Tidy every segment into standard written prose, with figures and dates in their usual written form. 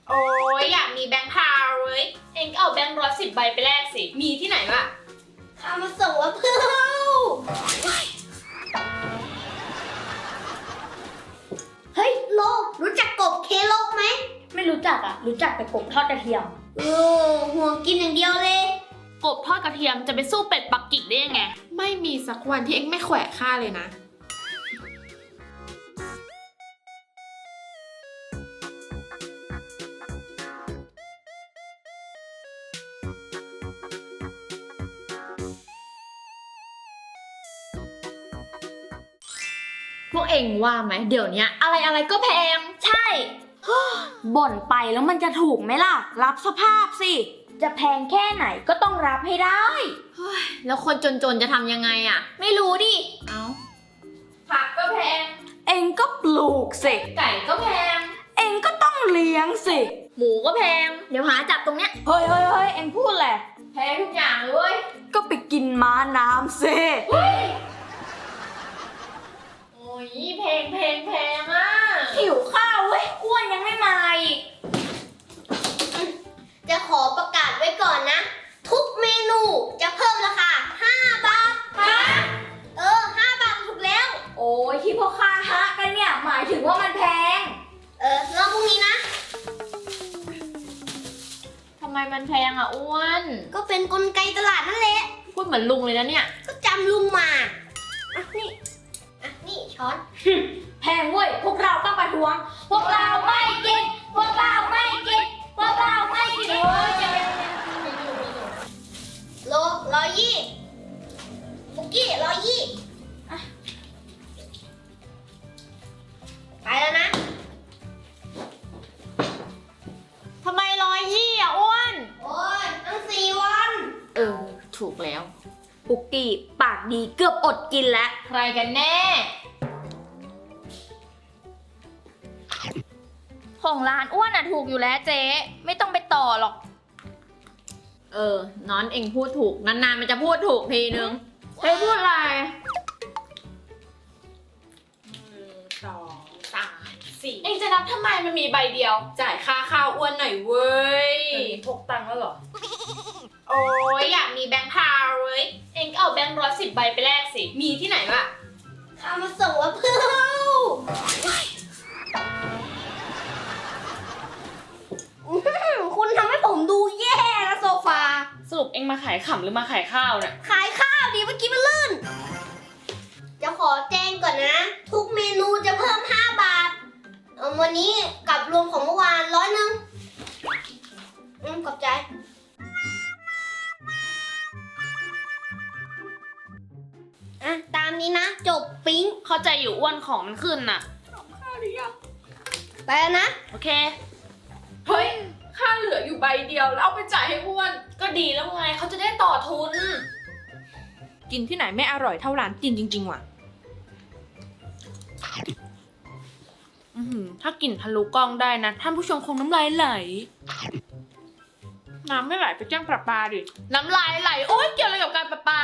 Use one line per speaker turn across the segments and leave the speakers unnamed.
โอ้ยอยากมีแบงค์พาวเลยเองก็เอาแบงค์110 ใบไปแลกสิมีที่ไหนล่ะ
ข้ามาส่งแล้วเพื่อนเฮ้ยโลกรู้จักกบเคโลกไหม
ไม่รู้จักอ่ะรู้จักแต่กบทอดกระเทียม
ห่วงกินอย่างเดียวเลย
กบทอดกระเทียมจะไปสู้เป็ดปักกิ่งได้ยังไงไม่มีสักวันที่เองไม่แขวะข้าเลยนะ
พวกเองว่าไหมเดี๋ยวนี้อะไรก็แพงใช่ บ่นไปแล้วมันจะถูกไหมล่ะรับสภาพสิจะแพงแค่ไหนก็ต้องรับให้ได้
แล้วคนจนๆจะทำยังไงอ่ะไม่รู้ดิเอาผักก็แพง
เองก็ปลูกสิ
ไก่ก็แพง
เองก็ต้องเลี้ยงสิ
หมูก็แพงเดี๋ยวหาจับตรงเนี้ย
เฮ้ยเองพูดแหละ
แพงทุกอย่างเลยเว้ย
ก็ไปกินม้าน้ำสิ
โอ้ยแพงอ่ะ
หิวข้าวเว้ยอ้วนยังไม่มาอีก
จะขอประกาศไว้ก่อนนะทุกเมนูจะเพิ่มราคา5 บาท5 บาทถูกแล้ว
โอ้ยที่พ่อค้าฮะกันเนี่ยหมายถึงว่ามันแพง
รอบพรุ่งนี้นะ
ทำไมมันแพงอ่ะอ้วน
ก็เป็นกลไกตลาดนั่นแหละ
พูดเหมือนลุงเลยนะเนี่ย
ก็จำลุงมานี่ช้อน
แพงเว้ยพวกเราต้องประท้วงพวกเราไม่กินพวกเราไม่กินพวกเราไม่กิน
โล120บุกกี้120ไปแล้วนะ
ทำไม120อ่ะอ้วน
โอ้ยตั้ง4 วัน
ถูกแล้ว
ปุกกี้ปากดีเกือบอดกินแล้ว
ใครกันแน่
ของร้านอ้วนอ่ะถูกอยู่แล้วเจ๊ไม่ต้องไปต่อหรอก
น้อนเองพูดถูกนานๆมันจะพูดถูกทีนึง
เฮ้ยพูดอะไร
1 2 3 4เองจะนับทำไมมันมีใบเดียวจ่ายค่าข้าวอ้วนหน่อยเว้ย
พกตังค์แล้วเหรอ
โอ้ยอยากมีแบงค์พาวเลยเองก็เอาแบงค์110 ใบไปแลกสิมีที่ไหนล่ะ
ข้ามาส่งแล้วเพื่อนคุณทำให้ผมดูแย่นะโซฟา
สรุปเองมาขายขำหรือมาขายข้าวเนี่ย
ขายข้าวดิเมื่อกี้มันลื่นจะขอแจ้งก่อนนะทุกเมนูจะเพิ่ม5 บาทวันนี้กับรวมของเมื่อวาน100ขอบใจตามนี้นะจบปิ๊ง
เข้าใจอยู่อ้วนของมันขึ้นน่ะข้าวหรือยัง
ไปแล้วนะ
โอเคเฮ้ยค่าเหลืออยู่ใบเดียวแล้วเอาไปจ่ายให้อ้วนก็ดีแล้วไงเขาจะได้ต่อทุน
กินที่ไหนไม่อร่อยเท่าร้านจีนจริงๆว่ะ
ถ้ากลิ่นทะลุกล้องได้นะท่านผู้ชมคงน้ำลายไหลน้ำไม่ไหลไปแจ้งประปาดิน้ำลายไหลโอ๊ยเกี่ยวอะไรกับการประปา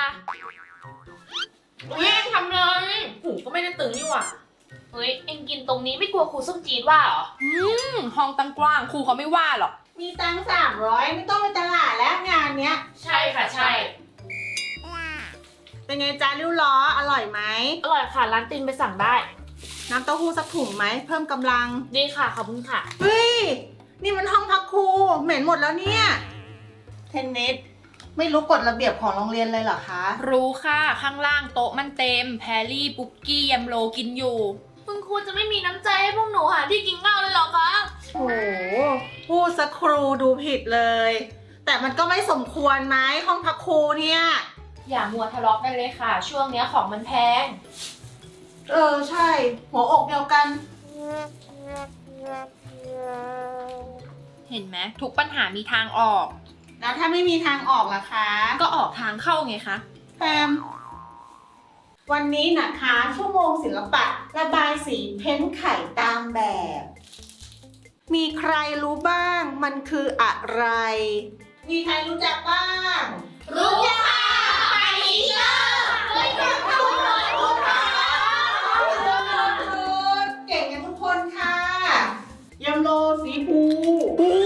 เองทำเลยหูก็ไม่ได้ตึงนี่หว่าเฮ้ยเอ็งกินตรงนี้ไม่กลัวครูส้มจีดว่าเหรอ
ห้องตั้งกว้างครูเขาไม่ว่าหรอก
มีตังค์300ไม่ต้องไปตลาดแล้วงานเนี้ย
ใช่ค่ะใช่
เป็นไงจ้าริ้วล้ออร่อยไหม
อร่อยค่ะร้านตินไปสั่งได้
น้ำเต้าหู้สักถุงไหมเพิ่มกำลัง
ดีค่ะขอบคุณค่ะ
เฮ้ยนี่มันห้องพักครูเหม็นหมดแล้วเนี่ยเทนนิสไม่รู้กฎระเบียบของโรงเรียนเลยเหรอคะ
รู้ค่ะข้างล่างโต๊ะมันเต็มแพรรี่ปุ๊กกี้ยมโลกินอยู่
คุณครูจะไม่มีน้ำใจให้พวกหนูหาที่กินข้าวเลยเหรอคะ
โอ้พูดสักครูดูผิดเลยแต่มันก็ไม่สมควรไหมห้องพักครูเนี่ย
อย่ามัวทะเลาะกันเลยค่ะช่วงนี้ของมันแพง
ใช่หัวอกเดียวกัน
เห็นไหมทุกปัญหามีทางออก
แล้วถ้าไม่มีทางออกล่ะคะ
ก็ออกทางเข้าไงคะ
แพมวันนี้นะคะชั่วโมงศิลปะระบายสีเพ้นท์ไข่ตามแบบมีใครรู้บ้างมันคืออะไรมีใครรู้จักบ้าง
รู้จักค่ะไปเยอะ
เก่งกันทุกคนค่ะยำโลสีภู
โอ้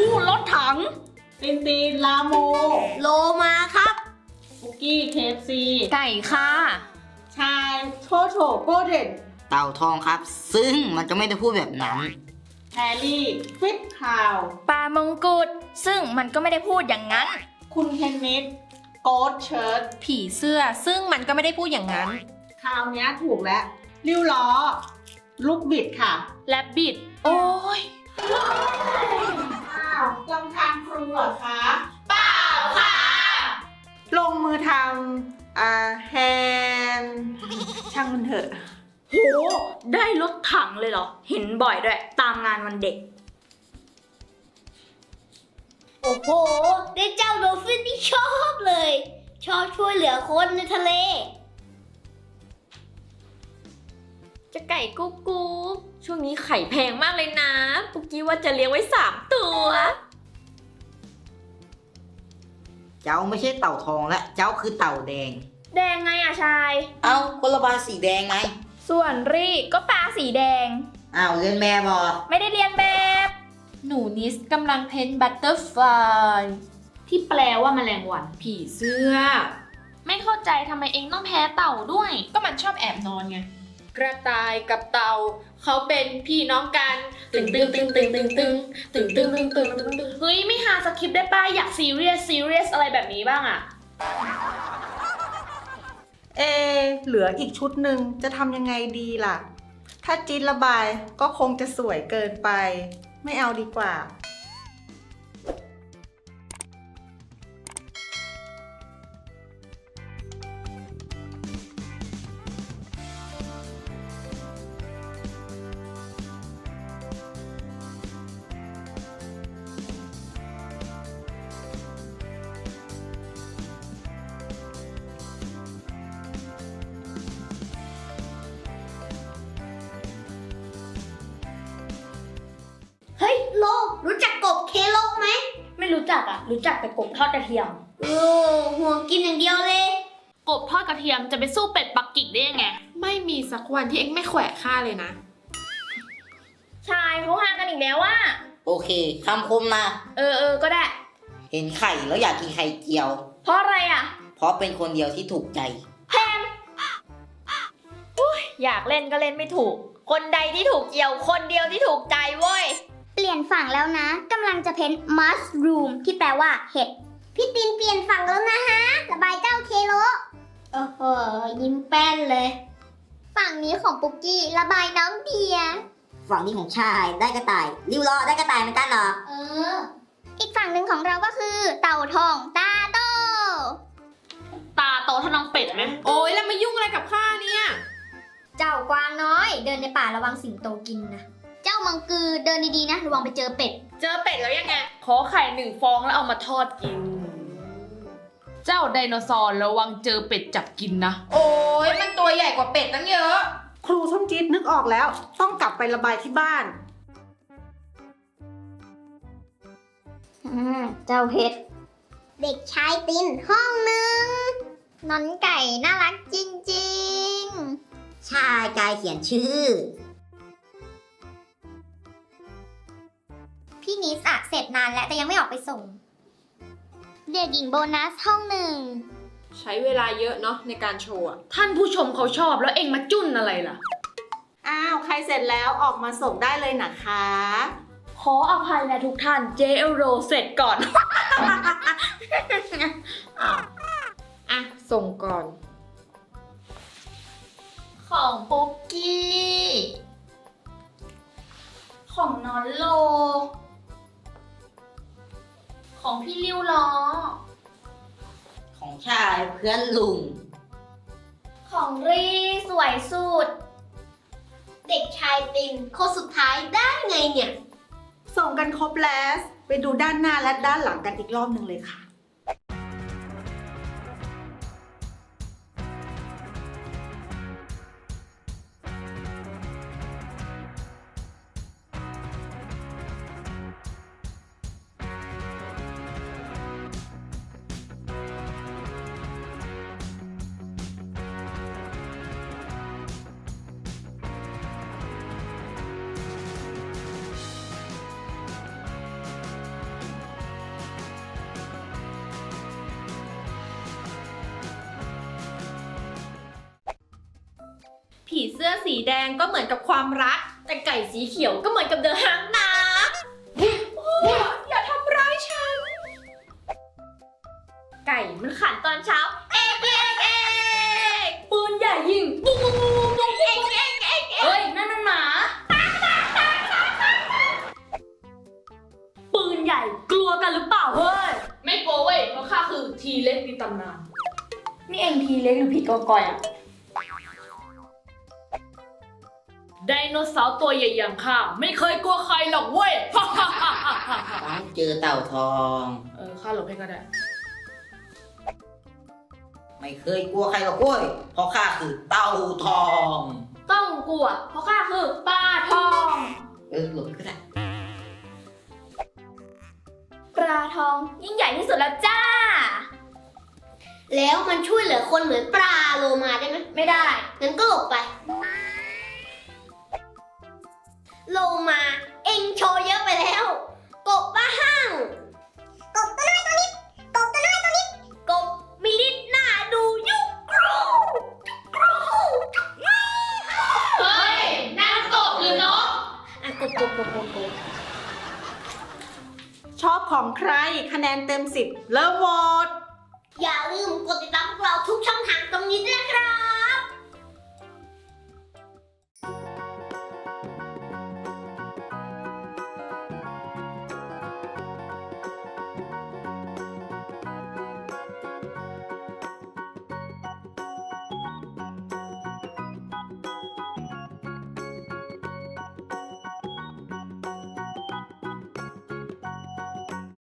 ตินตินลาโม
โลมาครับ
ปุกกี้เคฟซี
ไก่ค่ะ
ชายโทโถโกเดน
เต่าทองครับ ซึ่งมันก็ไม่ได้พูดแบบนั้น
แฮร์รี่ฟิตคาว
ปลามงกุฎซึ่งมันก็ไม่ได้พูดอย่างนั้น
คุณเคนนิสโกดเชิร์ต
ผีเสื้อซึ่งมันก็ไม่ได้พูดอย่างนั้น
คราวเนี้ยถูกแล้วริ้วล้อ ลูกบิดค่ะ
แลบบิด โอ้ย
อ้าวลำทางครูเหรอคะ
เปล่าค่ะ
ลงมือทำแฮนช่างมันเถอะ
โห ได้รถถังเลยเหรอ เห็นบ่อยด้วย ตามงานวันเด็ก
โอ้โห ได้เจ้าโดลฟินที่ชอบเลย ชอบช่วยเหลือคนในทะเล
จะไก่กุ๊กกุ๊กช่วงนี้ไข่แพงมากเลยนะ ปุกกี้ว่าจะเลี้ยงไว้3 ตัว
เจ้าไม่ใช่เต่าทองและเจ้าคือเต่าแดง
แดงไงอะชาย
เอ้าคนละบาสีแดงไง
ส่วนรี่ก็ปลาสีแดง
อ้าวเรียนแม่บอ
ไม่ได้เรียนแบบ
หนูนิสกำลังเพ้นบัตเตอร์ฟลาย
ที่แปลว่าแมลงวัน
ผีเสื้อ
ไม่เข้าใจทำไมเองต้องแพ้เต่าด้วย
ก็มันชอบแอบนอนไง กระต่ายกับเต่าเขาเป็นพี่น้องกัน ตึงตึงตึงตึงตึงตึงตึงตึงตึงตึงตึงตึง
เฮ้ย ไม่หาสคริปต์ได้ป้าอยากซีเรียสอะไรแบบนี้บ้างอะ
เหลืออีกชุดหนึ่งจะทำยังไงดีล่ะ ถ้าจี๊ดระบายก็คงจะสวยเกินไป ไม่เอาดีกว่า
เฮ้ยโลรู้จักกบเคโลไหม
ไม่รู้จักอะรู้จักแต่กบทอดกระเทียม
ห่วงกินอย่างเดียวเลย
กบทอดกระเทียมจะไปสู้เป็ดปักกิ่งได้ยังไง
ไม่มีสักวันที่เอ็งไม่แขวะข้าเลยนะ
ชายเขาหากันอีกแล้วว่า
โอเคคำคมนะ
ก็ได้
เห็นไข่แล้วอยากกินไข่เจียว
เพราะอะไรอะ
เพราะเป็นคนเดียวที่ถูกใจ
อยากเล่นก็เล่นไม่ถูก คนใดที่ถูกเกี่ยวคนเดียวที่ถูกใจเว้ย
เปลี่ยนฝั่งแล้วนะกำลังจะเพ้น mushroom ที่แปลว่าเห็ด พี่ตินเปลี่ยนฝั่งแล้วนะฮะ ระบายเจ้าเคโลโอ้โห ยิ้มแป้นเลย ฝั่งนี้ของปุกกี้ระบายน้องเดีย
ฝั่งนี้ของชายได้กระต่าย ริ้วล้อได้กระต่ายเหมือนกันเหรอ
อีกฝั่งหนึ่งของเราก็คือ เต่าทองตาโต
ตาโตเท่าน้องเป็ดไหม
โอ้ยแล้วมายุ่งอะไรกับข้าเนี่ย
เจ้ากวางน้อย เดินในป่าระวังสิงโตกินนะ เจ้ามังกือเดินดีๆนะระวังไปเจอเป็ด
เจอเป็ดแล้วยังไง
ขอไข่1 ฟองแล้วเอามาทอดกิน
เจ้าไดโนเสาร์ระวังเจอเป็ดจับกินนะ โอ้ยมันตัวใหญ่กว่าเป็ดตั้งเยอะ
ครูส้มจี๊ดนึกออกแล้ว ต้องกลับไประบายที่บ้าน
เจ้าเพชร เด็กชายตินห้องหนึ่งนอนไก่น่ารักจริงๆ
ชายกายเขียนชื่อ
พี่นิสอะเสร็จนานแล้วแต่ยังไม่ออกไปส่ง เด็กหญิงโบนัสห้องหนึ่ง
ใช้เวลาเยอะเนาะในการโชว์อะ
ท่านผู้ชมเขาชอบแล้วเองมาจุ้นอะไรล่ะ
อ้าว ใครเสร็จแล้วออกมาส่งได้เลยนะคะ
ขออภัยนะทุกท่านเจเอลโรเสร็จก่อน
อ่ะ ส่งก่อน
ของปุ๊กกี้ ของนอนโล ของพี่ริ้วล้อ
ของชายเพื่อนลุง
ของรีสวยสุด
เด็กชายตินคนสุดท้ายได้ไงเนี่ย
ส่งกันครบแล้ว ไปดูด้านหน้าและด้านหลังกันอีกรอบหนึ่งเลยค่ะ
ผีเสื้อสีแดงก็เหมือนกับความรัก แต่ไก่สีเขียวก็เหมือนกับเดอะฮังนะอย่าทำร้ายฉัน ไก่มันขันตอนเช้า เอกปืนใหญ่ยิงปุ้งปุ้งปุ้งปุ้งเอกเฮ้ย นั่นมันหมา
ปืนใหญ่กลัวกันหรือเปล่าเฮ้ย
ไม่โกลัวเว้ยเพราะข้าคือทีเล็กในตำนาน
นี่เองทีเล็กหรือผีกอกอยอะ
ไดโนเสาร์ตัวใหญ่อย่างข้าไม่เคยกลัวใครหรอกเว้ย
เจอเต่าทอง
ข้าหลบให้ก็ได้
ไม่เคยกลัวใครหรอกเว้ยเพราะข้าคือเต่าทอง
ต้องกลัว เพราะข้าคือปลาทอง
หลบก็ได้
ปลาทองยิ่งใหญ่ที่สุดแล้วจ้า
แล้วมันช่วยเหลือคนเหมือนปลาโลมาได้ไหม
ไม่ได้
งั้นก็หลบไป โลมาเอ็งโชว์เยอะไปแล้ว กบบ้าห้างกบตัวน้อยตัวนี้กบตัวน้อยตัวนี้กบมีลิ้นหน้าดูยุกกรูจุกกรูจุกกรู
เฮ้ยนั่นกบหรือนก
กบ
ชอบของใครคะแนนเต็ม 10 เริ่มโหวต
อย่าลืมกดติดตามพวกเราทุกช่องทางตรงนี้ด้วยนะครับ